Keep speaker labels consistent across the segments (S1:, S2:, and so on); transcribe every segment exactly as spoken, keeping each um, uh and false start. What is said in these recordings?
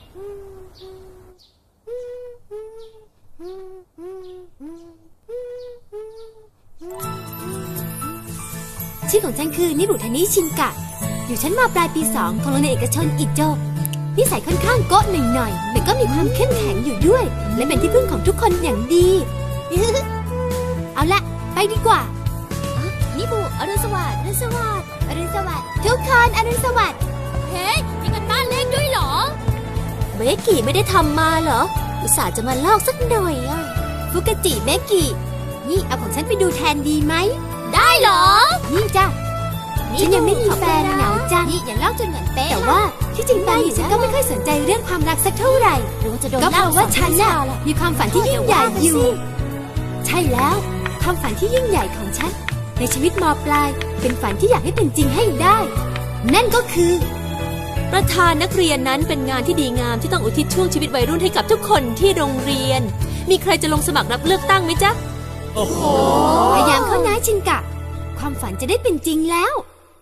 S1: ชื่อของฉันคือนิบุทานิชินกะอยู่ชั้นม.ปลายปีสองของโรงเรียนเอกชนอิโจนิสัยค่อนข้างโก๊ะหน่อยๆแต่ก็มีความเข้มแข็งอยู่ด้วยและเป็นที่พึ่งของทุกคนอย่างดี เอาละไปดีกว่านิบุอรุณสวัสดิ์อรุณสวัสดิ์อรุณสวัสดิ์ทุกคนอรุณสวัสดิ์เฮ้ยมีกันบ้านเล่นด้วยเหรอเมกิไม่ได้ทำมาเหรออุตส่าห์จะมาลอกสักหน่อยอ่ะฟุกจิเมกินี่เอาของฉันไปดูแทนดีไหมได้เหรอนี่จ้ะฉันยังไม่มีแฟนเหงาจังนี่อย่าเล่าจนเหมือนเป๊ะแต่ว่าที่จริงตอนนี้ฉันก็ไม่ค่อยสนใจเรื่องความรักสักเท่าไหร่ก็เพราะว่าฉันน่ะมีความฝันที่ยิ่งใหญ่อยู่ใช่แล้วความฝันที่ยิ่งใหญ่ของฉันในชีวิตม.ปลายเป็นฝันที่อยากให้เป็นจริงให้ได้นั่นก็คือประธานนักเรียนนั้นเป็นงานที่ดีงามที่ต้องอุทิศช่วงชีวิตวัยรุ่นให้กับทุกคนที่โรงเรียนมีใครจะลงสมัครรับเลือกตั้งไหมจ๊ะโอ้โหพยายามเข้านะชินกะความฝันจะได้เป็นจริงแล้ว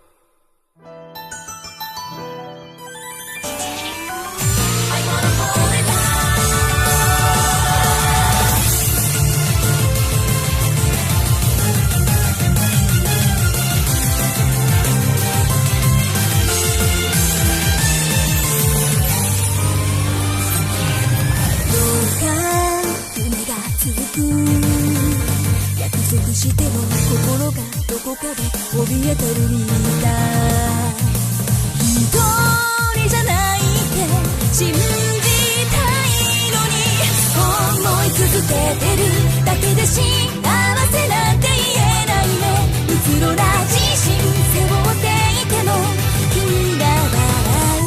S1: しても心がどこかで怯えてるみたい一人じゃないって信じたいのに思い続けてるだけで幸せなんて言えないねうつろな自信背負っていても君が笑う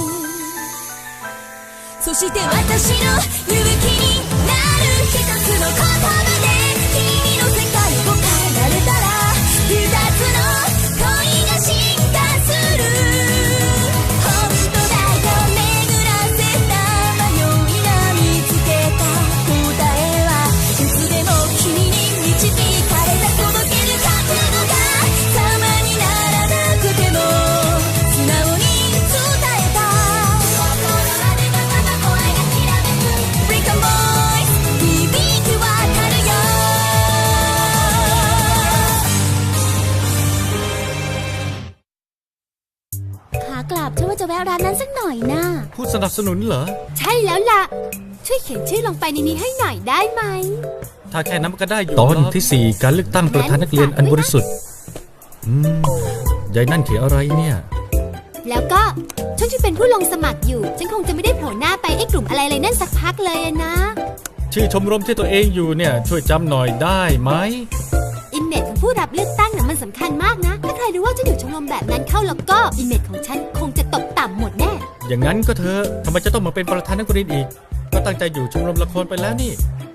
S1: そして私の勇気になる一つの言葉で君の世界を慣れたら二つの恋が進化する本当だよ巡らせた迷いが見つけた答えはいつでも君に導かれた届ける覚悟が様にならなくても素直に伝えた心までがまた声がきらめく Break a voice 響き渡るよกลับฉันว่าจะแวะร้านนั้นสักหน่อยนะ
S2: ผู้สนับสนุนเหรอ
S1: ใช่แล้วล่ะช่วยเขียนชื่อลงไปในนี้ให้หน่อยได้ไหม
S2: ถ้าแค่นั้นก็ได้อยู่ตอนที่สี่การเลือกตั้งประธานนักเรียนอันบริสุทธิ์อืมยายนั่นเขียนอะไรเนี่ย
S1: แล้วก็ช่วงที่เป็นผู้ลงสมัครอยู่ฉันคงจะไม่ได้โผล่หน้าไปไอ้กลุ่มอะไรเลยนั่นสักพักเลยนะ
S2: ชื่อชมรมที่ตัวเองอยู่เนี่ยช่วยจำหน่อยได้ไหม
S1: อิมเมจของผู้รับเลือกตั้งน่ะมันสำคัญมากนะถ้าใครรู้ว่าจะอยู่ชมรมแบบนั้นเข้าแล้วก็อิมเมจของฉันคงจะตกต่ำหมดแน่
S2: อย่างนั้นก็เธอทำไมจะต้องมาเป็นประธานนักเรียนอีกก็ตั้งใจอยู่ชมรมละครไปแล้วนี่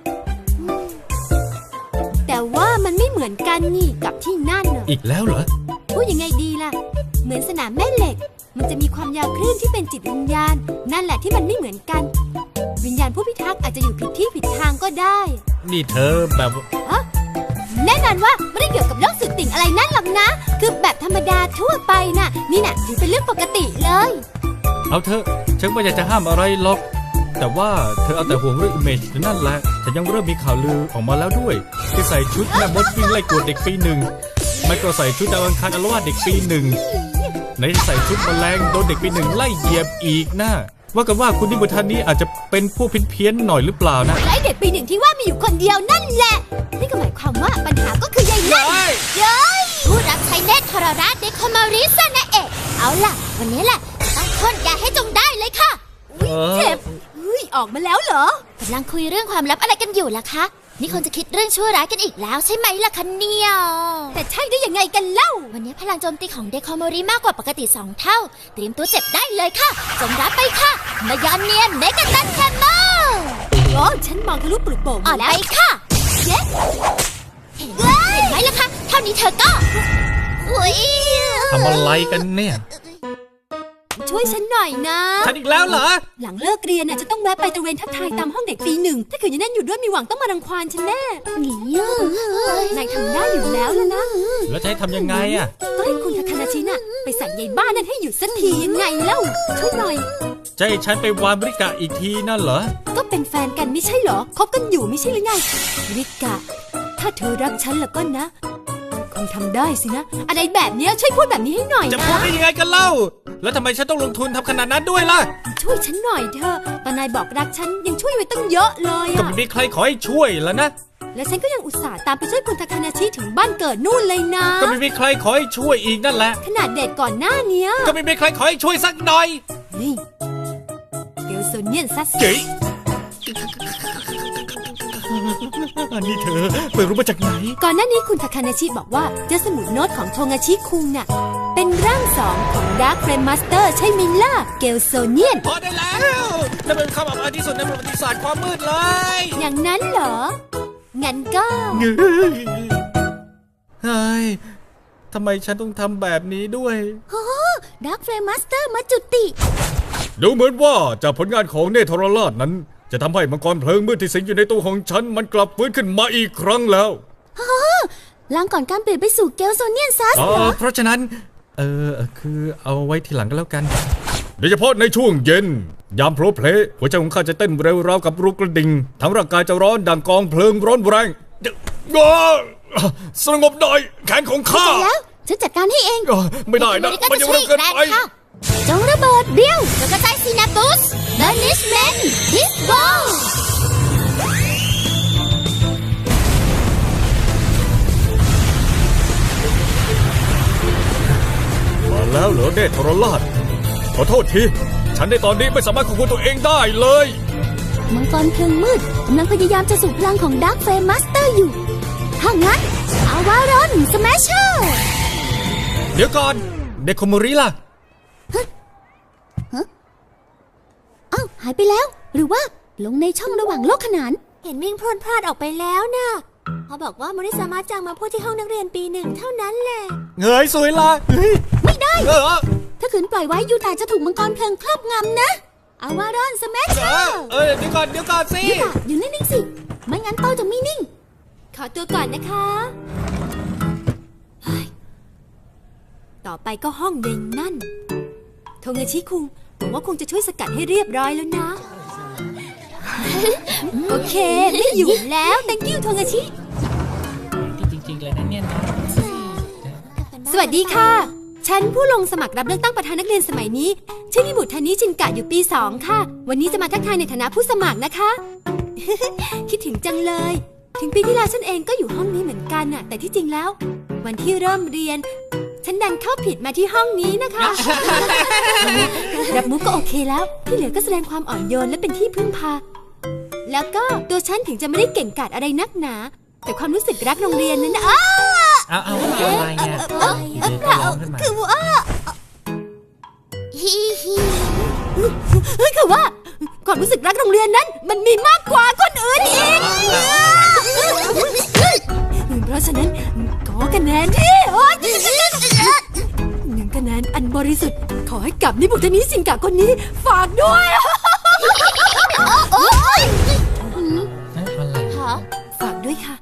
S1: แต่ว่ามันไม่เหมือนกันนี่กับที่นั่น
S2: อีกแล้วเหรอ
S1: พูดยังไงดีล่ะเหมือนสนามแม่เหล็กมันจะมีความยาวคลื่นที่เป็นจิตวิญญาณนั่นแหละที่มันไม่เหมือนกันวิญญาณผู้พิทักษ์อาจจะอยู่ผิดที่ผิดทางก็ได้
S2: นี่เธอแบบ
S1: ฮะแน่นอนว่าไม่ได้เกี่ยวกับโรคสุดติ่งอะไรนั่นหรอกนะคือแบบธรรมดาทั่วไปน่ะนี่น่ะถือเป็นเรื่องปกติเลย
S2: เอาเถอะฉันไม่อยากจะห้ามอะไรหรอกแต่ว่าเธอเอาแต่ห่วงเรื่องอิมเมจนั่นแหละแต่ยังเริ่มมีข่าวลือออกมาแล้วด้วยที่ใส่ชุดแม่มดวิ่งไล่กวดเด็กปีหนึ่งไม่ก็ใส่ชุดดาวอังคารอารวาสเด็กปีหนึ่งไหนใส่ชุดแมลงโดนเด็กปีหนึ่งไล่เหยียบอีกนะว่ากันว่าคุณนิบุทานี้อาจจะเป็นผู้เพี้ยนๆหน่อยหรือเปล่านะ
S1: ไล่เด็กปีหนึ่งที่ว่ามีอยู่คนเดียวนั่นแหละนี่ก็หมายความว่าปัญหาก็คือยายนั่นเย้ยผู้รับใช้เนตรทรราชเดคอมาริสนะเอกเอาล่ะวันนี้แหละต้องพ่นยาให้จงได้เลยค่ะเจ็บออกมาแล้วเหรอกำลังคุยเรื่องความลับอะไรกันอยู่ล่ะคะนี่คงจะคิดเรื่องชั่วร้ายกันอีกแล้วใช่ไหมล่ะคะเนี่ยแต่ใช่ได้ยังไงกันเล่าวันนี้พลังโจมตีของเดคอมาริมากกว่าปกติสองเท่าเตรียมตัวเจ็บได้เลยค่ะจงรับไปค่ะมายอนเนียนเมกะตันแคมเมอร์โอ้ฉันมองทะลุปลุกโป่งอ่อนไปค่ะเย้เห็นไหมล่ะคะเท่านี้เธอก็
S2: ทำอะไรกันเนี่ย
S1: ช่วยฉันหน่อยนะ
S2: ฉันอีกแล้วเหรอ
S1: หลังเลิกเรียนน่ะจะต้องแวะไปตระเวนทักทายตามห้องเด็กปีหนึ่งถ้าเกิดยังนั่นอยู่ด้วยมีหวังต้องมารังควานฉันแน่นายทำได้อยู่แล้วแล้วนะ
S2: แล้วจะให้ทำยังไงอ่ะ
S1: ก็ให้คุณทาคานาชิน่ะไปสั่งยายบ้านนั่นให้หยุดสักทียังไงเล่าช่วยหน่อย
S2: จะให้ฉันไปวานริกะอีกทีนั่นเหรอ
S1: ก็เป็นแฟนกันไม่ใช่เหรอคบกันอยู่ไม่ใช่หรือไงริกะถ้าเธอรักฉันแล้วก็นะคงทำได้สินะอะไรแบบนี้ช่วยพูดแบบนี้ให้หน่อยนะ
S2: จะพูดได้ยังไงกันเล่าแล้วทำไมฉันต้องลงทุนทำขนาดนั้นด้วยล่ะ
S1: ช่วยฉันหน่อยเถอะตอนนายบอกรักฉันยังช่วยไว้ตั้งเยอะเลยอะ
S2: ก็ไม่มีใครขอให้ช่วยแล้วนะ
S1: และฉันก็ยังอุตส่าห์ตามไปช่วยคุณทาคานาชิถึงบ้านเกิดนู่นเลยนะ
S2: ก็ไม่มีใครขอให้ช่วยอีกนั่นแหละ
S1: ขนาดเดทก่อนหน้านี้
S2: ก็ไม่มีใครขอให้ช่วยสักหน่อย
S1: นี่เกลโซเนียนซัส
S2: เก๋นี่เธอไปรู้มาจากไหน
S1: ก่อนหน้านี้คุณทาคานาชิบอกว่าเจ้าสมุดโน้ตของโทงาชิคุงน่ะเป็นร่างสองของดาร์คเฟรมมาสเตอร์ใช่ไหมล่ะเกลโซเนียน
S2: พอได้แล้วนั่นเป็นคำอภิที่สุดในประวัติศาสตร์ความมืดเลย
S1: อย่างนั้นเหรองั้นก็
S2: เฮ้ยทำไมฉันต้องทำแบบนี้ด้วย
S1: โอ้ดาร์คเฟรมมาสเตอร์มาจุติ
S2: ดูเหมือนว่าจากผลงานของเนธรราชนั้นจะทำให้มังกรเพลิงมืดที่สิงอยู่ในตัวของฉันมันกลับฟื้นขึ้นมาอีกครั้งแล้ว
S1: ล้างก่อนการเปลี่ยนไปสู่เกลโซเนียนซัสเหรอ
S2: เพราะฉะนั้นเออคือเอาไว้ทีหลังก็แล้วกันโดยเฉพาะในช่วงเย็นยามโผล่เพลหัวใจของข้าจะเต้นเร็วราวกับลูกกระดิ่งทั้งร่างกายจะร้อนดังกองเพลิงร้อนแรงสงบหน่อยแขนของข้า
S1: แล้วฉันจัดการให้เอง
S2: ไม่ได้นะมันยังเร็วเกินไป
S1: จงระเบิดเบี้ยวจงกระจายซีนาปุสเดนิชแมนดิสบอล
S2: มาแล้วเหรอเนธรราชขอโทษทีฉันในตอนนี้ไม่สามารถควบคุมตัวเองได้เลย
S1: มังกรเพลิงมืดกำลังพยายามจะสูบพลังของดาร์คเฟรมมาสเตอร์อยู่ถ้างั้นอาวารอนสแมชเชอร์
S2: เดี๋ยวก่อนเดโคโมริล่ะ
S1: อ้าวหายไปแล้วหรือว่าลงในช่องระหว่างโลกขนานเห็นวิ่งพรวดพลาดออกไปแล้วนะเขาบอกว่าโมริสามารถจังมาพูดที่ห้องนักเรียนปีหนึ่งเท่านั้นแหละ
S2: เงยสวยละ
S1: ไม่ได้ถ้าขืนปล่อยไว้ยูตาจะถูกมังกรเพลิงครอบงำนะอาวารอนสแมชเชอร์
S2: เออเดี๋ยวก่อนเดี๋ยวก่อนสิ
S1: ยูตาอยู่นิ่งๆสิไม่งั้นโตจะไม่นิ่งขอตัวก่อนนะคะต่อไปก็ห้องเย็นนั่นโทงาชิคุงผมว่าคงจะช่วยสกัดให้เรียบร้อยแล้วนะโอเคไม่อยู่แล้ว thank you โทงาชิ
S3: จริงๆเลยนะเนี่ย
S1: สวัสดีค่ะฉันผู้ลงสมัครรับเลือกตั้งประธานนักเรียนสมัยนี้ชื่อมิบุทานิชินกะอยู่ปีสองค่ะวันนี้จะมาทักทายในฐานะผู้สมัครนะคะคิดถึงจังเลยถึงปีที่แล้วฉันเองก็อยู่ห้องนี้เหมือนกันน่ะแต่ที่จริงแล้ววันที่เริ่มเรียนฉันดันเข้าผิดมาที่ห้องนี้นะคะรับมุกก็โอเคแล้วที่เหลือก็แสดงความอ่อนโยนและเป็นที่พึ่งพาแล้วก็ตัวฉันถึงจะไม่ได้เก่งกาจอะไรนักหนาแต่ความรู้สึกรักโรงเรียนนั้นนะอ้า
S3: เอาเอาอะไรเนี่ย
S1: คือว่าฮิฮิคือว่าความรู้สึกรักโรงเรียนนั้นมันมีมากกว่าคนอื่นอีกเพราะฉะนั้นขอคะแนนที่หนึ่งคะแนนอันบริสุทธิ์ขอให้กับนิบุตรนิสิงกะคนนี้ฝากด้วย
S3: อะไร
S1: คะฝากด้วยค่ะ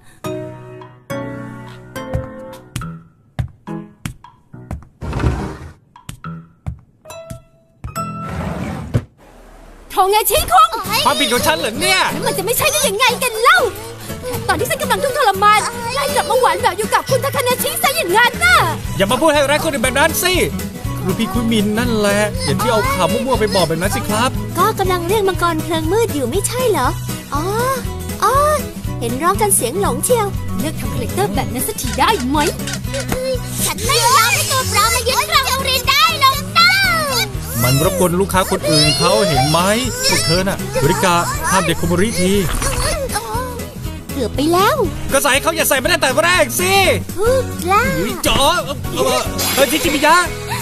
S1: โทงาชิคุง
S2: ความผิดของฉันเหรอเนี่ย
S1: มันจะไม่ใช่ได้ยังไงกันเล่าตอนที่ฉันกำลังทุกข์ทรมานไล่กลับมาหวานแบบอยู่กับคุณทาคานาชิซะอย่างนั้นน่ะ
S2: อย่ามาพูดให้ร้ายคนอื่นแบบนั้นสิรูพี่คุยมินนั่นแหละอย่าที่เอาข่าวมั่วๆไปบอกแบบนั้นสิครับ
S1: ก็กำลังเรียกมังกรเพลิงมืดอยู่ไม่ใช่เหรออ๋ออ๋อเห็นร้องกันเสียงหลงเชียวเลิกทำคาแรคเตอร์แบบนั้นสักทีได้ไหมฉันไม่ยอมให้ตัวปลอมมายึดครองโรงเรียนได้หรอกนะ
S2: มันรบกวนลูกค้าคนอื่นเขาเห็นไหมพวกเธอน่ะบริการห้ามเด็กโคโมริที
S1: เกือบไปแล้ว
S2: ก็ใส่เขาอย่าใส่ไม่ได้แต่แรกสิ
S1: พูดแล้ว
S2: จ๋อเฮ้ยทิจิมิยะ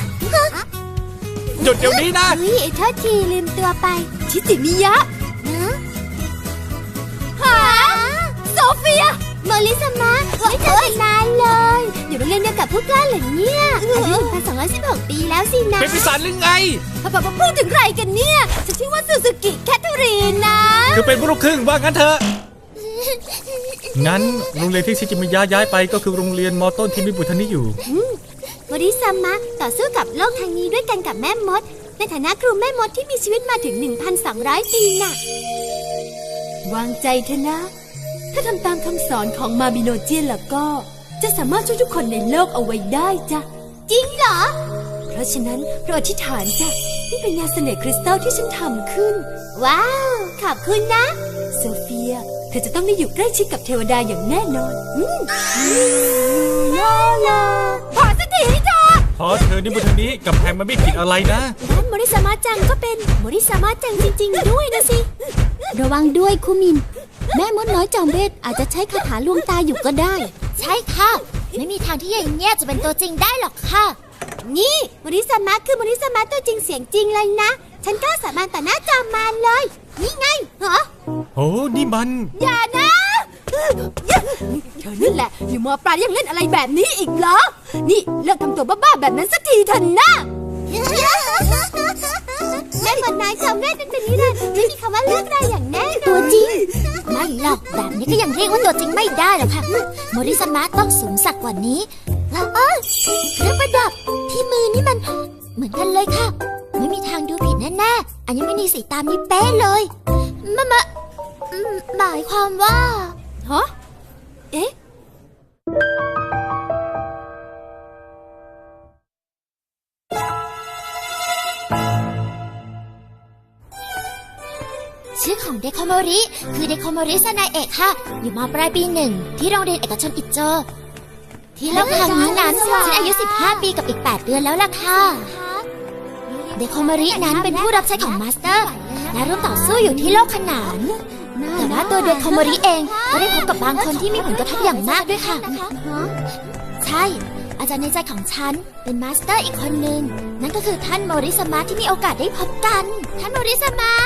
S2: หยุดเดี๋ยวนี้นะ
S1: เฮ้ยโทษทีลืมตัวไปทิจิมิยะนะหาโซเฟียโมริสามะไม่เจอกันนานเลยอยู่โรงเรียนเดียวกับพวกกล้าเหรอเนี่ยอายุหนึ่งพันสองร้อยสิบหกปีแล้วสินะ
S2: เป็นปีศาจหรือไง
S1: พ่อพูดถึงใครกันเนี่ยฉันชื่อว่าซูซูกิแคทเธอรีนนะ
S2: คือเป็นลูกครึ่งว่างั้นเถอะงั้นโรงเรียนที่ชิจิมิยะย้ายไปก็คือโรงเรียนมอต้นที่มิบุทานิอยู่
S1: โมริสามะต่อสู้กับโลกทางนี้ด้วยกันกับแม่มดในฐานะครูแม่มดที่มีชีวิตมาถึง หนึ่งพันสองร้อย ปีน่ะวางใจเถอะนะถ้าทำตามคำสอนของมาบิโนเจียนแล้วก็จะสามารถช่วยทุกคนในโลกเอาไว้ได้จ้ะจริงเหรอเพราะฉะนั้นเราอธิษฐานจ้ะนี่เป็นยาเสน่ห์คริสตัลที่ฉันทำขึ้นว้าวขอบคุณนะโซเฟียเธอจะต้องได้อยู่ใกล้ชิดกับเทวดาอย่างแน่นอนอืมลาลาพอสักทีเถอะ
S2: พอเธอนี่บนทางนี้กับแพงมันไม่ผิดอะไรนะ
S1: ด้านโมริสามะจังก็เป็นโมริสามะจังจริงๆด้วยนะสิระวังด้วยคุมินแม่มดน้อยจอมเวทอาจจะใช้คาถาลวงตาอยู่ก็ได้ใช่ค่ะไม่มีทางที่อย่างเงี้ยจะเป็นตัวจริงได้หรอกค่ะนี่โมริสามะคือโมริสามะตัวจริงเสียงจริงเลยนะฉันกล้าสาบานต่อหน้าจอมมารเลยนี่ไงเหรอ
S2: โอ้นี่มัน
S1: อย่านะเธอนั่นแหละอยู่มอปลายยังเล่นอะไรแบบนี้อีกเหรอนี่เลิกทำตัวบ้าๆแบบนั้นสักทีเถอะนะแม่หมดนายจำแม่เป็นแบบนี้เลยไม่มีคำว่าเลิกได้อย่างแน่นอนตัวจริงไม่หรอกแบบนี้ก็ยังเรียกว่าตัวจริงไม่ได้หรอกค่ะโมริสามะต้องสูงสักกว่านี้แล้วเออเครื่องประดับที่มือนี่มันเหมือนกันเลยค่ะไม่มีทางดูผิดแน่ๆอันนี้ไม่มีสีตามนี้เป๊ะเลยมะมะหมายความว่าฮะเอ๊ะชื่อของเดโคโมริคือเดโคโมริซานาเอะค่ะอยู่ม.ปลายปีหนึ่งที่โรงเรียนเอกชนอิโจที่โลกแห่งนี้นั้นฉันอายุสิบห้าปีกับอีกแปดเดือนแล้วล่ะค่ะเดโคโมรินั้นเป็นผู้รับใช้ของมาสเตอร์และร่วมต่อสู้อยู่ที่โลกขนานแต่ว่าตัวเดโคโมริเองก็ได้พบกับบางคนที่มีผลกระทบอย่างมากด้วยค่ะใช่อาจารย์ในใจของฉันเป็นมาสเตอร์อีกคนนึงนั่นก็คือท่านโมริสามะที่มีโอกาสได้พบกันท่านโมริสามะ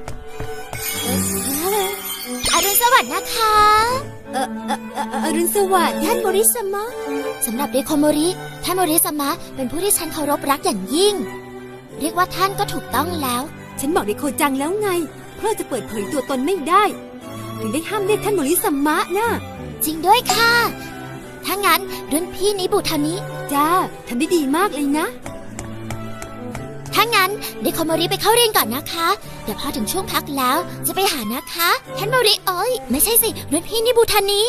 S1: อรุณสวัสดิ์นะคะเออเอออรุณสวัสดิ์ท่านโมริสามะสำหรับเดโคโมริท่านโมริสามะเป็นผู้ที่ฉันเคารพรักอย่างยิ่งเรียกว่าท่านก็ถูกต้องแล้วฉันบอกเดโคจังแล้วไงเพราะจะเปิดเผยตัวตนไม่ได้ถึงได้ห้ามเรียกท่านโมริสามะนะจริงด้วยค่ะถ้างั้นรุ่นพี่นิบุทานิจ้าทำได้ดีมากเลยนะถ้างั้นเดโคโมริไปเข้าเรียนก่อนนะคะเดี๋ยวพอถึงช่วงพักแล้วจะไปหานะคะท่านโมริเอ้ยไม่ใช่สิรุ่นพี่นิบุทานิ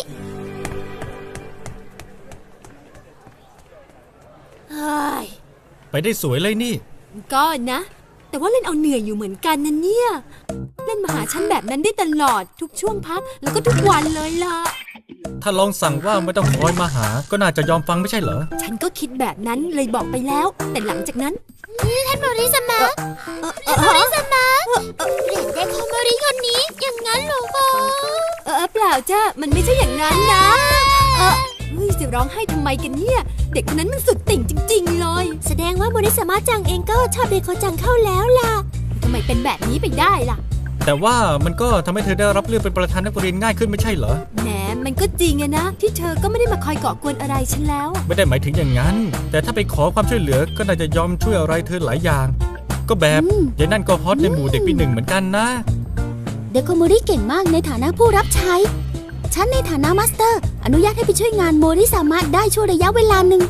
S1: เฮ้ย
S2: ไปได้สวยเลยนี่
S1: ก็นะแต่ว่าเล่นเอาเหนื่อยอยู่เหมือนกันนะเนี่ยเล่นมาหาฉันแบบนั้นได้ตลอดทุกช่วงพักแล้วก็ทุกวันเลยล่ะ
S2: ถ้าลองสั่งว่าไม่ต้องคอยมาหาก็น่าจะยอมฟังไม่ใช่เหรอ
S1: ฉันก็คิดแบบนั้นเลยบอกไปแล้วแต่หลังจากนั้นท่านโมริสามะท่านโมริสามะเปลี่ยนเดโคโมริคนนี้อย่างนั้นเหรอคะเออเปล่าจ้ะมันไม่ใช่อย่างนั้นนะเออเฮ้ยจะร้องไห้ทำไมกันเนี่ยเด็กคนนั้นมันสุดติ่งจริงๆเลยแสดงว่าโมริสามะจังเองก็ชอบเดโคจังเข้าแล้วล่ะทำไมเป็นแบบนี้ไปได้ล่ะ
S2: แต่ว่ามันก็ทำให้เธอได้รับเลือกเป็นประธานนักเรียนง่ายขึ้นไม่ใช่เหรอ
S1: แหมมันก็จริงอะนะที่เธอก็ไม่ได้มาคอยก่อกวนอะไรฉันแล้ว
S2: ไม่ได้หมายถึงอย่างนั้นแต่ถ้าไปขอความช่วยเหลือก็น่าจะยอมช่วยอะไรเธอหลายอย่างก็แบบยายนั่นก็ฮอตในหมู่เด็กปีหนึ่งเหมือนกันนะ
S1: เดโคโมริเก่งมากในฐานะผู้รับใช้ฉันในฐานะมาสเตอร์อนุญาตให้ไปช่วยงานโมริสามะได้ช่วงระยะเวลาหนึ่ง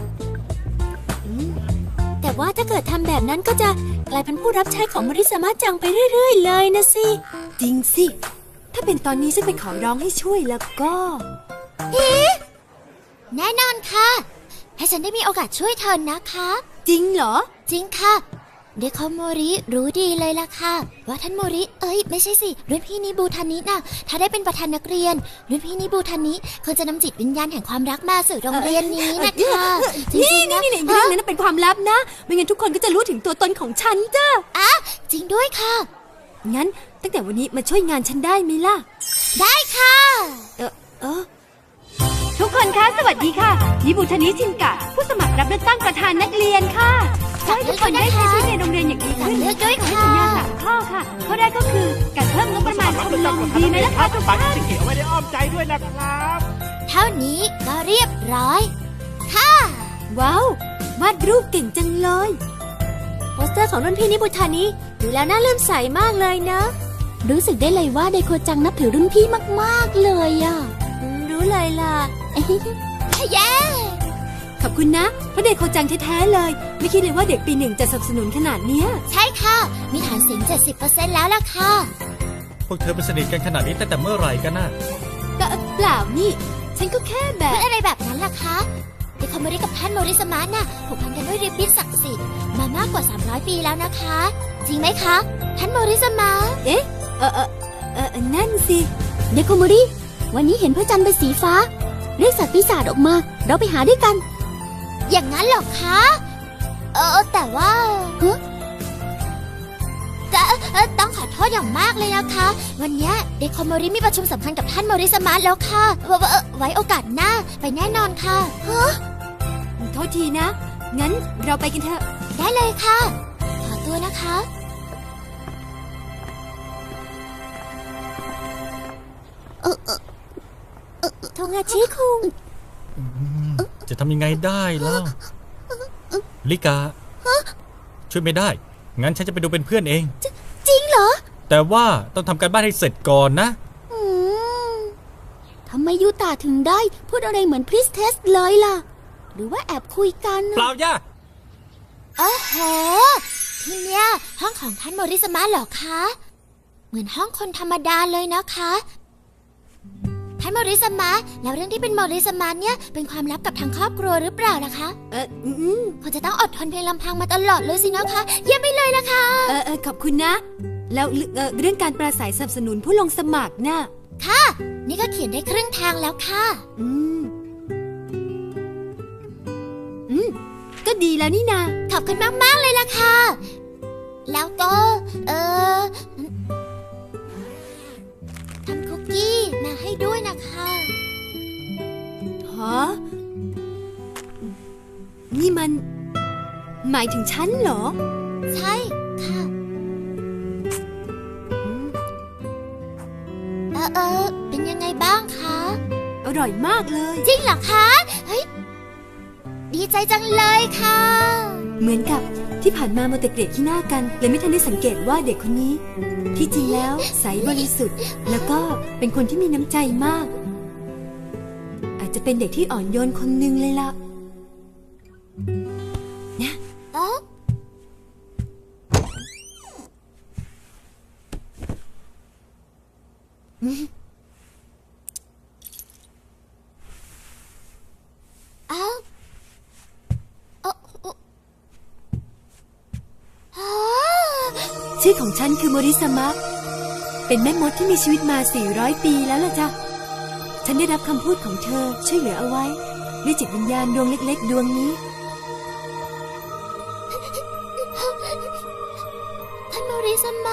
S1: แต่ว่าถ้าเกิดทำแบบนั้นก็จะกลายเป็นผู้รับใช้ของโมริสามะจังไปเรื่อยๆเลยนะสิจริงสิถ้าเป็นตอนนี้ฉันไปขอร้องให้ช่วยแล้วก็เอ๊ะแน่นอนค่ะให้ฉันได้มีโอกาสช่วยเธอนะคะจริงเหรอจริงค่ะเดโคโมริรู้ดีเลยล่ะค่ะว่าท่านโมริเอ้ยไม่ใช่สิรุ่นพี่นิบูทานิน่ะถ้าได้เป็นประธานนักเรียนรุ่นพี่นิบูทานิคงจะนำจิตวิญญาณแห่งความรักมาสู่โรงเรียนนี้นะคะจริงๆนะเรื่องนั้นเป็นความลับนะไม่งั้นทุกคนก็จะรู้ถึงตัวตนของฉันจ้ะอ่ะจริงด้วยค่ะงั้นตั้งแต่วันนี้มาช่วยงานฉันได้ไหมล่ะได้ค่ะเออเออทุกคนคะสวัสดีค่ะนิบุทานิชินกะผู้สมัครรับเลือกตั้งประธานนักเรียนค่ะขอให้ทุกคนได้ใช้ชีวิตในโรงเรียนอย่างดีขึ้นและด้วยค่ะสัญญาสามข้อค่ะข้อแรกก็คือการเพิ่มงบประมาณชมรมดีไหมล่ะคะทุกท่าน
S4: เขียวไว้ในอ้อมใจด้วยนะครับ
S1: เท่านี้ก็เรียบร้อยค่ะว้าววาดรูปเก่งจังเลยโปสเตอร์ของรุ่นพี่นิบุทานิดูแล้วน่าเลื่อมใสมากเลยนะรู้สึกได้เลยว่าไดโคจังนับถือรุ่นพี่มากๆเลยอ่ะรู้เลยล่ะเย้ขอบคุณนะเพราะเด็กโคจังแท้ๆเลย ไม่คิดเลยว่าเด็กปีหนึ่งจะสนับสนุนขนาดเนี้ย
S5: ใช่ค่ะ มีฐานเสียง เจ็ดสิบเปอร์เซ็นต์ แล้วล่ะค่ะ
S2: พวกเธอเป็นสนิทกันขนาดนี้ตั้งแต่เมื่อไหร่กันน่ะ
S1: ก็เปล่านี่ ฉันก็แค่แบ
S5: พู
S1: บ
S5: ดอะไรแบบนั้นล่ะคะเด็กคอมโมริกับท่านโมริสมะน่ะผูกพันกันด้วยริบบิ้นศักดิ์สิทธิ์มามากกว่าสามร้อยปีแล้วนะคะ จริงไหมคะ ท่านโมริสมะ
S1: เอ๊ะ เออเออเออนั่นสิ
S5: เด็กคอมโมริวันนี้เห็นพระจันทร์เป็นสีฟ้าเรียกสัตว์ปีศาจออกมา เราไปหาด้วยกัน อย่างนั้นเหรอคะ เออแต่ว่าฮะแต่เอ่อต้องขอโทษอย่างมากเลยนะคะ วันเนี้ยเด็กคอมโมริมีประชุมสำคัญกับท่านโมริสมะแล้วค่ะเอ่อเอ่อไว้โอกาสหน้าไปแน่นอนค่ะฮะ
S1: โทษทีนะ งั้นเราไปกันเถอะ
S5: ได้เลยค่ะ ขอตัวนะคะ เออเออเออโทงาชิคุง
S2: จะทำยังไงได้เล่าลิกา ช่วยไม่ได้ งั้นฉันจะไปดูเป็นเพื่อนเอง
S5: จริงเหรอ
S2: แต่ว่าต้องทำการบ้านให้เสร็จก่อนนะ
S5: อืมทำไมยูตาถึงได้พูดอะไรเหมือนพริสเทสเลยล่ะ หรือว่าแอบคุยกัน
S2: เปล่าย่า
S5: โอ้โหที่เนี้ยห้องของท่านโมริสมะเหรอคะ เหมือนห้องคนธรรมดาเลยนะคะ ท่านโมริสมะแล้วเรื่องที่เป็นโมริสมะเนี่ยเป็นความลับกับทางครอบครัวหรือเปล่าล่ะคะ
S1: เอออืม
S5: คงจะต้องอดทนเพียงลำพังมาตลอดเลยสินะคะเยี่ยมไปเลยล่ะค่ะ
S1: เออเออขอบคุณนะ แล้วเอ่อเรื่องการปราศัยสนับสนุนผู้ลงสมัครน่ะ
S5: ค่ะ นี่ก็เขียนได้ครึ่งทางแล้วค่ะ
S1: อืม อืม ก็ดีแล้วนี่นา
S5: ขอบคุณมาก ๆ เลยล่ะค่ะ แล้วก็ เออทำคุกกี้มาให้ด้วยนะคะ
S1: ฮะ นี่มัน หมายถึงฉันเหรอ
S5: ใช่ค่ะ
S1: อืม
S5: เออเออเป็นยังไงบ้างคะ
S1: อร่อยมากเลย
S5: จริงเหรอคะ เฮ้ย ดีใจจังเลยค่ะ
S1: เหมือนกับที่ผ่านมาโมวแต่เกลียดขี้หน้ากันเลยไม่ทันได้สังเกตว่าเด็กคนนี้ ที่จริงแล้วใสบริสุทธิ์ แล้วก็เป็นคนที่มีน้ำใจมาก อาจจะเป็นเด็กที่อ่อนโยนคนหนึ่งเลยล่ะ
S5: เอ๊ะเอ้าเอ้าเอ้าอ๋อ
S1: ชื่อของฉันคือโมริสมะ เป็นแม่มดที่มีชีวิตมา สี่ร้อย ปีแล้วล่ะจ้ะ ฉันได้รับคำพูดของเธอช่วยเหลือเอาไว้ด้วยจิตวิญญาณดวงเล็กๆ ดวงนี้
S5: ท่านโมริสมะ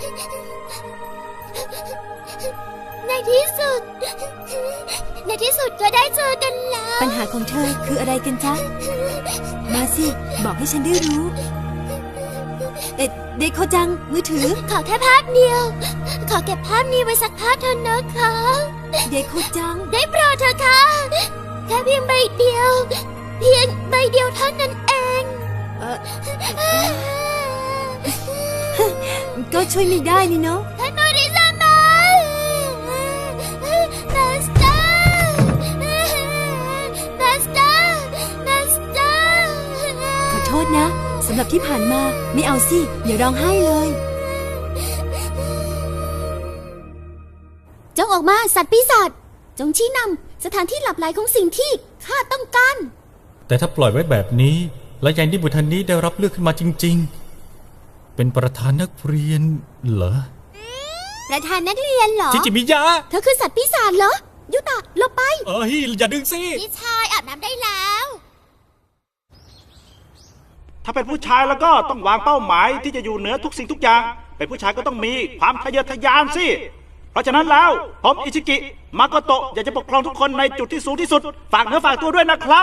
S5: ในที่สุด ในที่สุดก็ได้เจอกันแล้ว
S1: ปัญหาของเธอคืออะไรกันจ๊ะ มาสิ บอกให้ฉันได้รู้ เอ็ดเดโคจัง มือถือ
S5: ขอแค่ภาพเดียว ขอเก็บภาพนี้ไว้สักภาพเถอะนะคะ
S1: เดโคจัง
S5: ได้โปรดเถอะค่ะ แค่เพียงใบเดียว เพียงใบเดียวเท่านั้นเอง
S1: เออ ก็ช่วยไม่ได้นี่เนาะ
S5: ท่านโมริสมะมาสเตอร์มาสเตอร์มาสเตอร์
S1: ขอโทษนะสำหรับที่ผ่านมาไม่เอาสิอย่าร้องไห้เลย
S5: จงออกมาสัตว์ปีศาจจงชี้นำสถานที่หลับไหลของสิ่งที่ข้าต้องการ
S2: แต่ถ้าปล่อยไว้แบบนี้ และยังที่บุตรนี้ได้รับเลือกขึ้นมาจริง ๆ เป็นประธานนักเรียนเหรอ
S5: ประธานนักเรียนเหรอ
S2: จิจิมิยะ
S5: เธอคือสัตว์ปีศาจเหรอ ยุตะหลบไป
S2: เอ้ยอย่าดึงสิ
S5: พี่ชายอาบน้ำได้แล้ว
S4: ถ้าเป็นผู้ชายแล้วก็ต้องวางเป้าหมายที่จะอยู่เหนือทุกสิ่งทุกอย่าง เป็นผู้ชายก็ต้องมีความทะเยอทะยานสิ เพราะฉะนั้นแล้วผมอิชิกิ มาโกโตะอยากจะปกครองทุกคนในจุดที่สูงที่สุด ฝากเนื้อฝากตัวด้วยนะครับ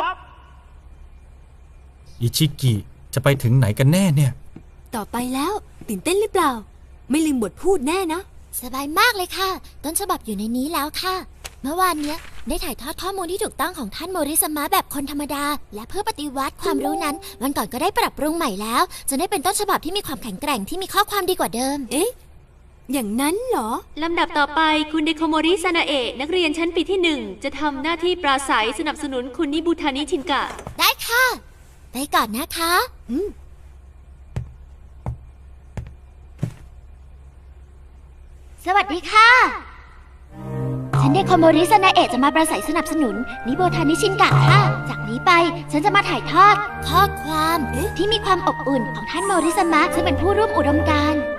S2: อิชิกิจะไปถึงไหนกันแน่เนี่ย
S1: ต่อไปแล้วตื่นเต้นหรือเปล่า ไม่ลืมบทพูดแน่นะ
S5: สบายมากเลยค่ะ ต้นฉบับอยู่ในนี้แล้วค่ะ เมื่อวานเนี้ยได้ถ่ายทอดข้อมูลที่ถูกต้องของท่านโมริสมะแบบคนธรรมดา และเพื่อปฏิวัติความรู้นั้น วันก่อนก็ได้ปรับปรุงใหม่แล้วจนได้เป็นต้นฉบับที่มีความแข็งแกร่งที่มีข้อความดีกว่าเดิม
S1: เอ๊ะ อย่างนั้นเหรอ
S6: ลำดับต่อไปคุณเดโคโมริซานาเอะนักเรียนชั้นปีที่หนึ่งจะทำหน้าที่ปราศัยสนับสนุนคุณนิบุทานิชินกะ
S5: ได้ไปก่อนนะคะ
S1: อืม
S5: สวัสดีค่ะ ฉันเดโคโมริซานาเอะจะมาประสัยสนับสนุนนิโบทานิชินกะค่ะ จากนี้ไปฉันจะมาถ่ายทอด ข้อความที่มีความอบอุ่นของท่านโมริสมะซึ่งเป็นผู้ร่วมอุดมการณ์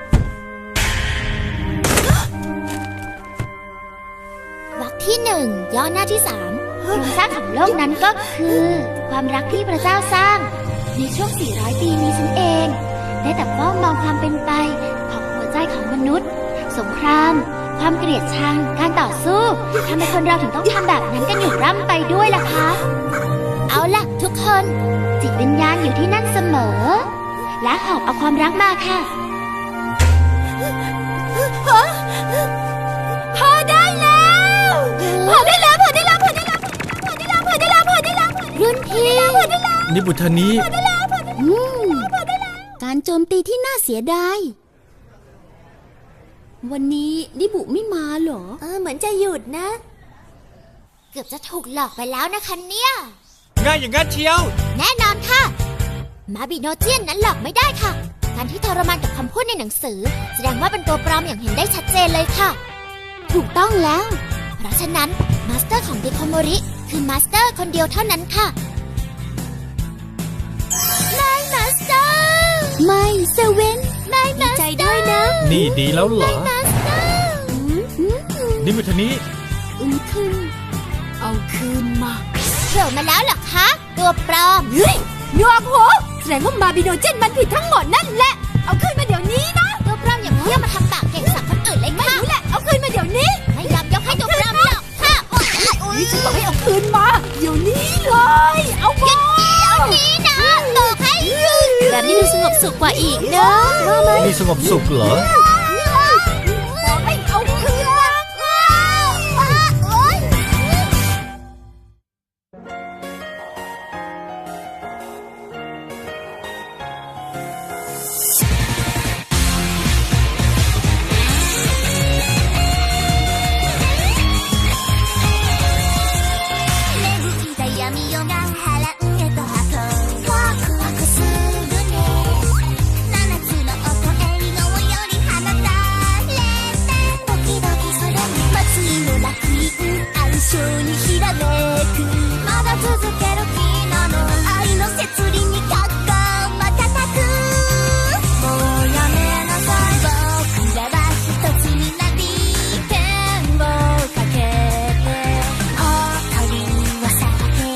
S5: วรรคที่หนึ่งย่อหน้าที่สามโครงสร้างของโลกนั้นก็คือ ความรักที่พระเจ้าสร้าง ในช่วง สี่ร้อย ปีนี้ฉันเอง ได้แต่เฝ้ามองความเป็นไปของหัวใจของมนุษย์ สงคราม ความเกลียดชัง การต่อสู้ทำไมคนเราถึงต้องทำแบบนั้นกันอยู่ร่ำไปด้วยล่ะคะ เอาล่ะทุกคน จิตวิญญาณอยู่ที่นั่นเสมอ และหอบเอาความรักมาค่ะพอได้แล้วพอได้แล้วพอได้แล้วพอได้แล้วพอได้แล้วพอได้แล้วพอได้แล้วรุ่นพี่พอได้แล้ว
S2: นิบุทานิ
S5: อืมการโจมตีที่น่าเสียดายวันนี้นิบุไม่มาเหรอ
S1: เออเหมือนจะหยุดนะ
S5: เกือบจะถูกหลอกไปแล้วนะคะเนี่ย
S3: ง่ายอย่างงั้นเชียว
S5: แน่นอนค่ะ มาบิโนเจียนนั้นหลอกไม่ได้ค่ะ การที่ทรมานกับคำพูดในหนังสือ แสดงว่าเป็นตัวปลอมอย่างเห็นได้ชัดเจนเลยค่ะ ถูกต้องแล้ว เพราะฉะนั้นมาสเตอร์ของเดโคโมริคือมาสเตอร์คนเดียวเท่านั้นค่ะไม่มาสเตอร์ไม่เซเว่นไม่มาสเตอร์
S1: ดีใจด้วยนะ
S2: นี่ดีแล้วเหรอ
S5: มาสเตอร์
S2: นิบุทานิ
S5: อืมคือ
S1: เอาคืนมา
S5: โผล่มาแล้วเหรอคะ ตัวปลอม
S1: เฮ้ยหนวกหูแสดงว่ามาบิโนเจนมันผิดทั้งหมดนั่นแหละ เอาคืนมาเดี๋ยวนี้นะ
S5: ตัวปลอมอย่างเที่ยวมาทำปากเก่งสั่งคนอื่นเลย
S1: ไม่
S5: ค่ะ
S1: รู้แหละ เอาคืนมาเดี๋ยวนี้
S5: ไม่ยอมยกให้ตัวปลอมหรอกค่ะโอ๊ยโอ๊ย
S1: นี่ฉันบอกให้เอาคืนมา เดี๋ยวนี้เลย เอามา
S5: เดี๋ยวนี้นะบอกให้หยุด
S1: แบบนี้ดูสงบสุขกว่าอีกเนอะว่าไหม
S2: นี่สงบสุขเหรอ
S1: บอกให้เอาคืนมา
S5: โอ๊ย 闇夜が波乱へと運ぶワクワクするね七つの音エリゴより放たれてドキドキする祭りの楽園暗礁にひらめくまだ続ける昨日の愛の摂理に格好瞬くもうやめなさい僕らは一つになり剣をかけて誇りはさ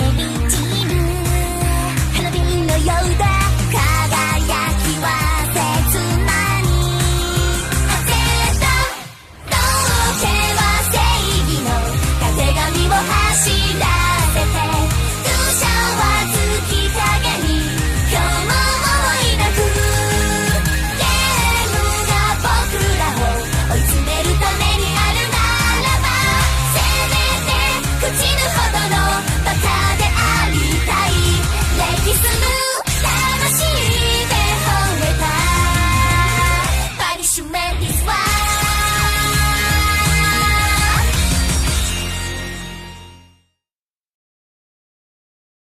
S5: 花火のようだ輝きは切なに焦った道化は正義のたてがみを走らせて空車は月影に今日も思い泣くゲームが僕らを追い詰めるためにあるならばせめて口ぬほど